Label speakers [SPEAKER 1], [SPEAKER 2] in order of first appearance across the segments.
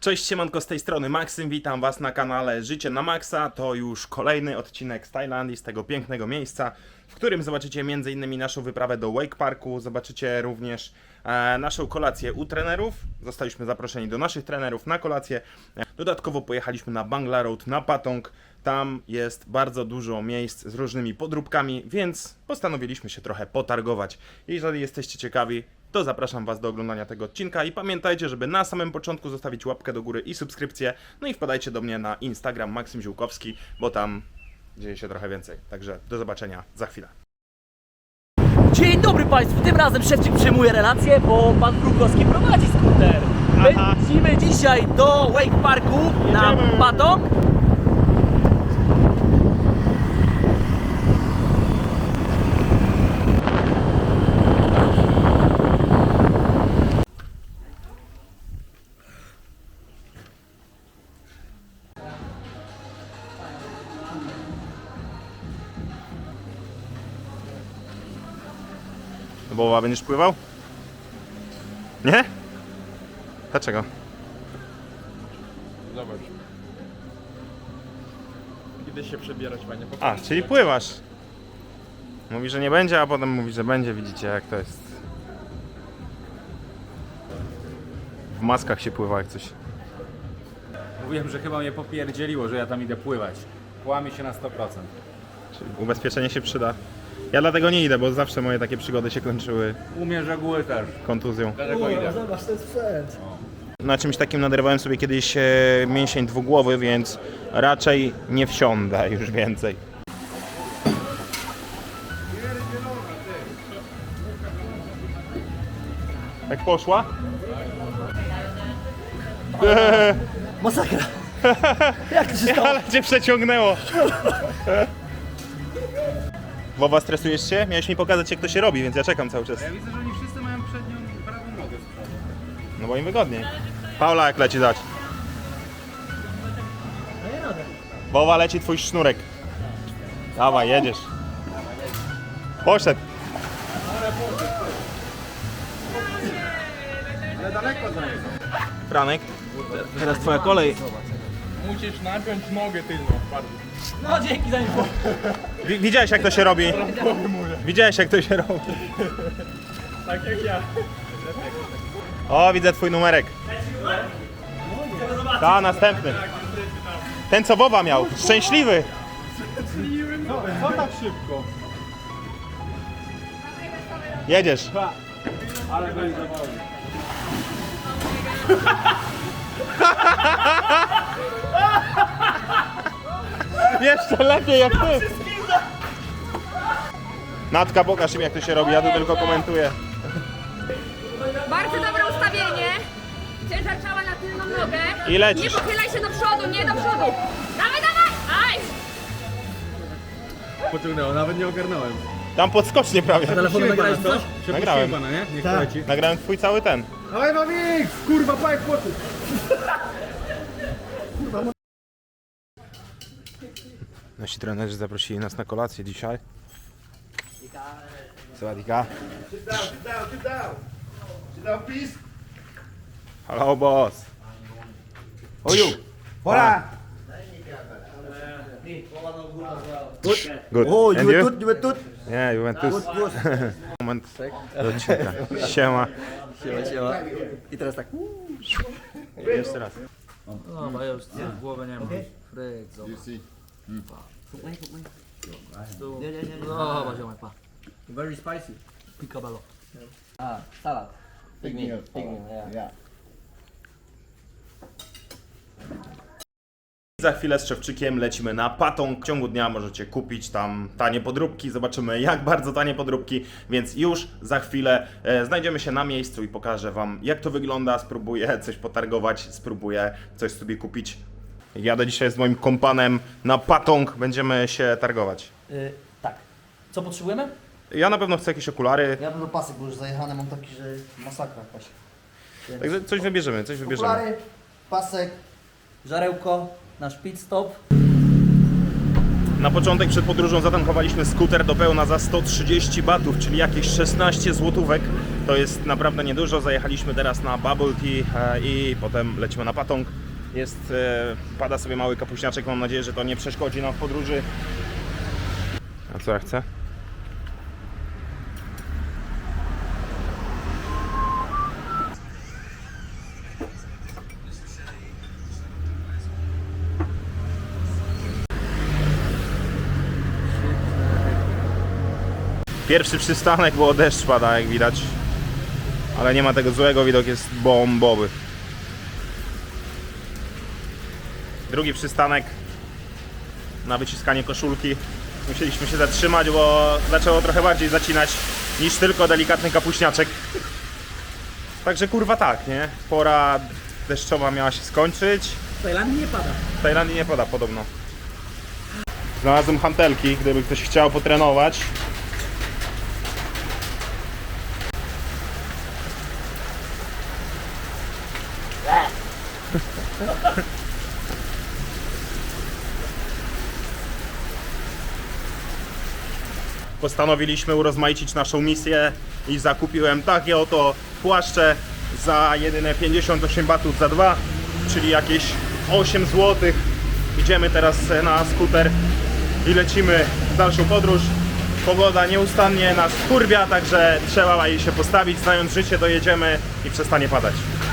[SPEAKER 1] Cześć, siemanko, z tej strony Maksym, witam was na kanale Życie na Maksa. To już kolejny odcinek z Tajlandii, z tego pięknego miejsca, w którym zobaczycie m.in. naszą wyprawę do Wake Parku, zobaczycie również naszą kolację u trenerów. Zostaliśmy zaproszeni do naszych trenerów na kolację. Dodatkowo pojechaliśmy na Bangla Road, na Patong. Tam jest bardzo dużo miejsc z różnymi podróbkami, więc postanowiliśmy się trochę potargować. Jeżeli jesteście ciekawi, to zapraszam was do oglądania tego odcinka i pamiętajcie, żeby na samym początku zostawić łapkę do góry i subskrypcję. No i wpadajcie do mnie na Instagram Maksym Ziółkowski, bo tam dzieje się trochę więcej. Także do zobaczenia za chwilę.
[SPEAKER 2] Dzień dobry Państwu, tym razem szewczyk przejmuje relację, bo Pan Krukowski prowadzi skuter. Lecimy dzisiaj do Wake Parku na Patong.
[SPEAKER 1] Boba, będziesz pływał? Nie? Dlaczego?
[SPEAKER 3] Zobacz. Kiedy się przebierać, panie?
[SPEAKER 1] A, czyli pływasz. Mówi, że nie będzie, a potem mówi, że będzie. Widzicie, jak to jest. W maskach się pływa jak coś.
[SPEAKER 4] Mówiłem, że chyba mnie popierdzieliło, że ja tam idę pływać. Kłamie się na 100%.
[SPEAKER 1] Czyli ubezpieczenie się przyda. Ja dlatego nie idę, bo zawsze moje takie przygody się kończyły
[SPEAKER 4] Umie reguły też.
[SPEAKER 1] kontuzją.
[SPEAKER 3] Dlatego idę.
[SPEAKER 2] Zobacz, to jest sprzęt.
[SPEAKER 1] Na czymś takim naderwałem sobie kiedyś mięsień dwugłowy, więc raczej nie wsiądę już więcej. Jak poszła?
[SPEAKER 2] Masakra. Jak to się stało?
[SPEAKER 1] Ale cię przeciągnęło. Wowa, stresujesz się? Miałeś mi pokazać, jak to się robi, więc ja czekam cały czas.
[SPEAKER 4] Ja widzę, że oni wszyscy mają przednią prawą nogę z przodu.
[SPEAKER 1] No bo im wygodniej. Paula, jak leci dać? Wowa, leci twój sznurek. Dawaj, jedziesz. Poszedł.
[SPEAKER 3] Ale daleko zajechał.
[SPEAKER 1] Franek, teraz twoja kolej.
[SPEAKER 3] Musisz napiąć nogę tylną bardzo.
[SPEAKER 2] No dzięki za info.
[SPEAKER 1] Widziałeś, jak to się robi? Widziałeś, jak to się robi?
[SPEAKER 3] Tak jak ja.
[SPEAKER 1] O, widzę twój numerek. Ta, następny. Ten, co Wowa miał. Szczęśliwy.
[SPEAKER 3] Co tak szybko?
[SPEAKER 1] Jedziesz.
[SPEAKER 3] Ale go zawodzi.
[SPEAKER 1] Jeszcze lepiej jak ty. Natka, pokaż im, jak to się robi. Ja tu tylko komentuję.
[SPEAKER 5] Bardzo dobre ustawienie. Ciężar ciała na tylną nogę.
[SPEAKER 1] I lecisz.
[SPEAKER 5] Nie pochylaj się do przodu, nie do przodu. Dawaj, dawaj! Aj!
[SPEAKER 3] Pociągnęło, nawet nie ogarnąłem.
[SPEAKER 1] Tam podskocznie prawie.
[SPEAKER 2] Telefonem nagrałeś coś?
[SPEAKER 1] Nagrałem.
[SPEAKER 3] Pana, nie? Niech
[SPEAKER 2] Tak.
[SPEAKER 3] leci.
[SPEAKER 1] Nagrałem twój cały ten.
[SPEAKER 3] Dawaj, Mamik! Kurwa, pajek płoty!
[SPEAKER 1] Nasi trenerzy zaprosili nas na kolację dzisiaj. Sawadika. Hello, boss. Oju. Hola. Good.
[SPEAKER 2] O,
[SPEAKER 1] And you?
[SPEAKER 2] Juventus.
[SPEAKER 1] Nie, Juventus. Moment do odcinka. Siema.
[SPEAKER 2] Siema. I teraz tak.
[SPEAKER 1] Jeszcze raz.
[SPEAKER 2] No, bo ja już w głowę nie mam. Fryk, zobacz. No, chyba ziomek, pa.
[SPEAKER 3] Very spicy.
[SPEAKER 2] Picabello. A, salad. Pygmy, yeah.
[SPEAKER 1] Za chwilę z Szewczykiem lecimy na Patong. W ciągu dnia możecie kupić tam tanie podróbki. Zobaczymy, jak bardzo tanie podróbki. Więc już za chwilę znajdziemy się na miejscu i pokażę wam, jak to wygląda. Spróbuję coś potargować, spróbuję coś sobie kupić. Jadę dzisiaj z moim kompanem na Patong. Będziemy się targować.
[SPEAKER 2] Tak. Co potrzebujemy?
[SPEAKER 1] Ja na pewno chcę jakieś okulary.
[SPEAKER 6] Ja będę pasek, bo już zajechany mam taki, że masakra jakaś.
[SPEAKER 1] Także coś wybierzemy, coś wybierzemy.
[SPEAKER 6] Okulary, pasek.
[SPEAKER 2] Żarełko, nasz pit stop.
[SPEAKER 1] Na początek przed podróżą zatankowaliśmy skuter do pełna za 130 batów, czyli jakieś 16 złotówek. To jest naprawdę niedużo. Zajechaliśmy teraz na Bubble Tea i potem lecimy na Patong. Pada sobie mały kapuśniaczek, mam nadzieję, że to nie przeszkodzi nam w podróży. A co ja chcę? Pierwszy przystanek, bo deszcz pada, jak widać. Ale nie ma tego złego, widok jest bombowy. Drugi przystanek na wyciskanie koszulki. Musieliśmy się zatrzymać, bo zaczęło trochę bardziej zacinać niż tylko delikatny kapuśniaczek. Także kurwa tak, nie? Pora deszczowa miała się skończyć.
[SPEAKER 2] W Tajlandii nie pada.
[SPEAKER 1] W Tajlandii nie pada podobno. Znalazłem hantelki, gdyby ktoś chciał potrenować. Postanowiliśmy urozmaicić naszą misję i zakupiłem takie oto płaszcze za jedyne 58 batów za 2, czyli jakieś 8 zł. Idziemy teraz na skuter i lecimy w dalszą podróż. Pogoda nieustannie nas wkurwia, także trzeba jej się postawić. Znając życie, dojedziemy i przestanie padać.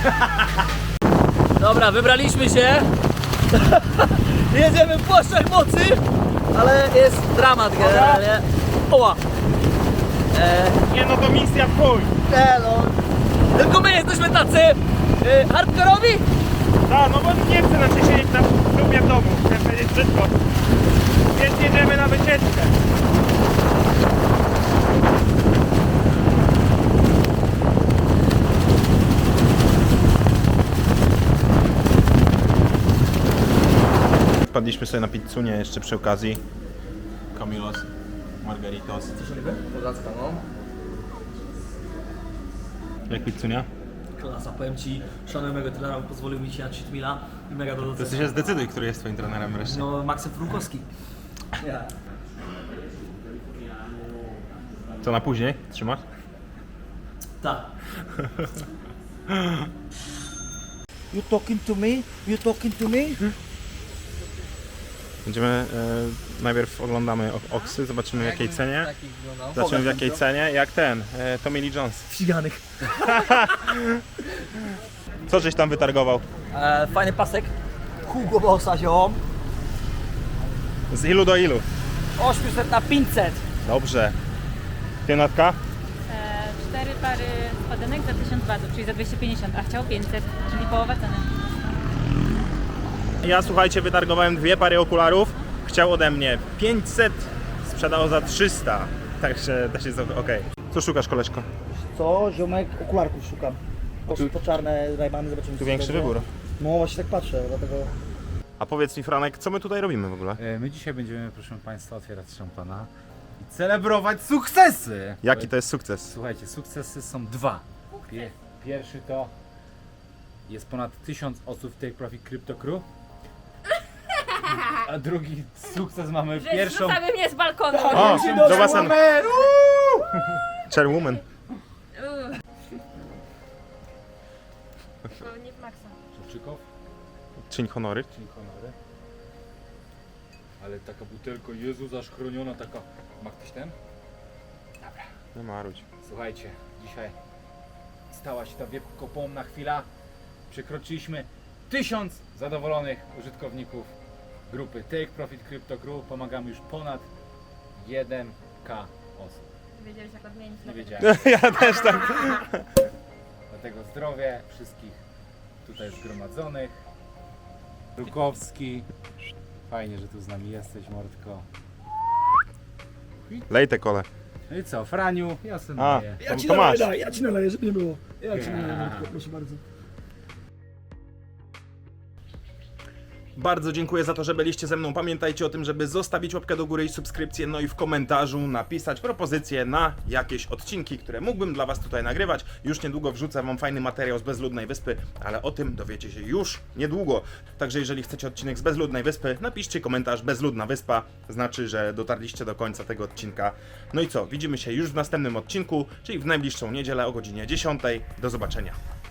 [SPEAKER 2] Dobra, wybraliśmy się. Jedziemy w płaszczach mocy, ale jest dramat generalnie. Oła!
[SPEAKER 1] Nie no, to misja w chuj!
[SPEAKER 2] No. Tylko my jesteśmy tacy hardkorowi.
[SPEAKER 1] Tak, no bo nie chcę znaczy siedzieć na klubie w domu, chcę powiedzieć brzydko. Więc jedziemy na wycieczkę. Wpadliśmy sobie na pizzunie jeszcze przy okazji. Camilos, Margaritos.
[SPEAKER 2] Pozacka, no.
[SPEAKER 1] Jak pizzunia?
[SPEAKER 2] Klasa, powiem ci, szanuję mego trenera, pozwolił mi się na cheat meala i mega do
[SPEAKER 1] To się zdecyduj, który jest twoim trenerem wreszcie.
[SPEAKER 2] No, Maksym Frukowski. Ja.
[SPEAKER 1] Co na później? Trzymasz?
[SPEAKER 2] Tak.
[SPEAKER 6] You talking to me? You talking to me?
[SPEAKER 1] Będziemy, najpierw oglądamy Oksy, zobaczymy w jakiej cenie.
[SPEAKER 2] Takich wyglądał.
[SPEAKER 1] Zobaczymy w jakiej cenie, jak ten, Tommy Lee Jones.
[SPEAKER 2] Ściganych.
[SPEAKER 1] Co żeś tam wytargował?
[SPEAKER 2] Fajny pasek. Hugo Bossa ziom.
[SPEAKER 1] Z ilu do ilu?
[SPEAKER 2] 800 na 500.
[SPEAKER 1] Dobrze. Pienatka?
[SPEAKER 7] 4 pary spodenek za 1000 batów, czyli za 250, a chciał 500, czyli połowa ceny.
[SPEAKER 1] Ja, słuchajcie, wytargowałem 2 pary okularów. Chciał ode mnie 500, sprzedał za 300. Także też jest ok. Co szukasz, koleżko?
[SPEAKER 6] Co? Ziomek okularków szukam. Po czarne rajbany, zobaczymy.
[SPEAKER 1] Tu
[SPEAKER 6] co
[SPEAKER 1] większy
[SPEAKER 6] będzie.
[SPEAKER 1] wybór.
[SPEAKER 6] No właśnie tak patrzę, dlatego...
[SPEAKER 1] A powiedz mi, Franek, co my tutaj robimy w ogóle?
[SPEAKER 4] My dzisiaj będziemy, proszę Państwa, otwierać szampana i celebrować sukcesy!
[SPEAKER 1] Jaki to jest sukces?
[SPEAKER 4] Słuchajcie, sukcesy są 2. Pierwszy to jest ponad 1000 osób w Take Profit Crypto Crew. A drugi sukces mamy
[SPEAKER 5] Że
[SPEAKER 4] pierwszą...
[SPEAKER 5] zrzucamy mnie z balkonu.
[SPEAKER 1] O, do basenu. Chairwoman.
[SPEAKER 5] Nie w maksa.
[SPEAKER 4] Szewczykow,
[SPEAKER 1] Czyń honory.
[SPEAKER 4] czyli honory. Ale taka butelka, Jezu, zaszchroniona, taka... Ma ktoś ten?
[SPEAKER 1] Nie marudź.
[SPEAKER 4] Słuchajcie, dzisiaj stała się ta wiekopomna chwila. Przekroczyliśmy 1000 zadowolonych użytkowników grupy Take Profit Crypto Crew. Pomagamy już ponad 1K osób.
[SPEAKER 5] Wiedziałeś jak odmienić.
[SPEAKER 4] Nie wiedziałem.
[SPEAKER 1] Ja też tak.
[SPEAKER 4] Dlatego zdrowie wszystkich tutaj zgromadzonych. Rukowski. Fajnie, że tu z nami jesteś, Mordko.
[SPEAKER 1] Lej te kole.
[SPEAKER 4] No i co, Franiu? Ja sobie
[SPEAKER 1] A,
[SPEAKER 4] naleję.
[SPEAKER 1] to masz.
[SPEAKER 2] Ja ci naleję, żeby nie było. Ja ci naleję, proszę bardzo.
[SPEAKER 1] Bardzo dziękuję za to, że byliście ze mną. Pamiętajcie o tym, żeby zostawić łapkę do góry i subskrypcję, no i w komentarzu napisać propozycje na jakieś odcinki, które mógłbym dla was tutaj nagrywać. Już niedługo wrzucę wam fajny materiał z Bezludnej Wyspy, ale o tym dowiecie się już niedługo. Także jeżeli chcecie odcinek z Bezludnej Wyspy, napiszcie komentarz Bezludna Wyspa, znaczy, że dotarliście do końca tego odcinka. No i co, widzimy się już w następnym odcinku, czyli w najbliższą niedzielę o godzinie 10. Do zobaczenia.